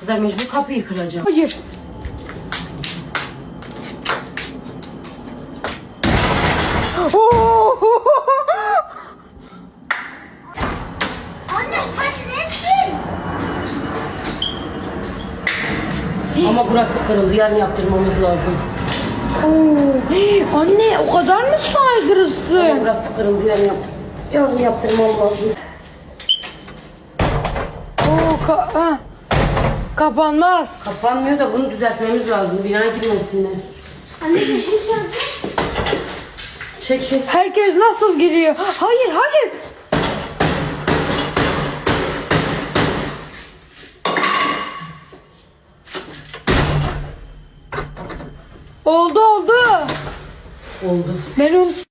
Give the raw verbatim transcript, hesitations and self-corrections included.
kızlar, mecbur kapıyı kıracağım. Hayır. Oo! Anne sen nesin? Ama burası kırıldı, yarın yaptırmamız lazım. Oo! Hey, anne o kadar mı Ama saygılısın? burası kırıldı, yarın, yap yarın yaptırmam lazım. Oo, ka ha. Kapanmaz. Kapanmıyor da bunu düzeltmemiz lazım, binaya girmesinler. Anne bir şey söyleyeceğim. Çek çek. Herkes nasıl giriyor? Hayır hayır. Oldu oldu. Oldu. Melun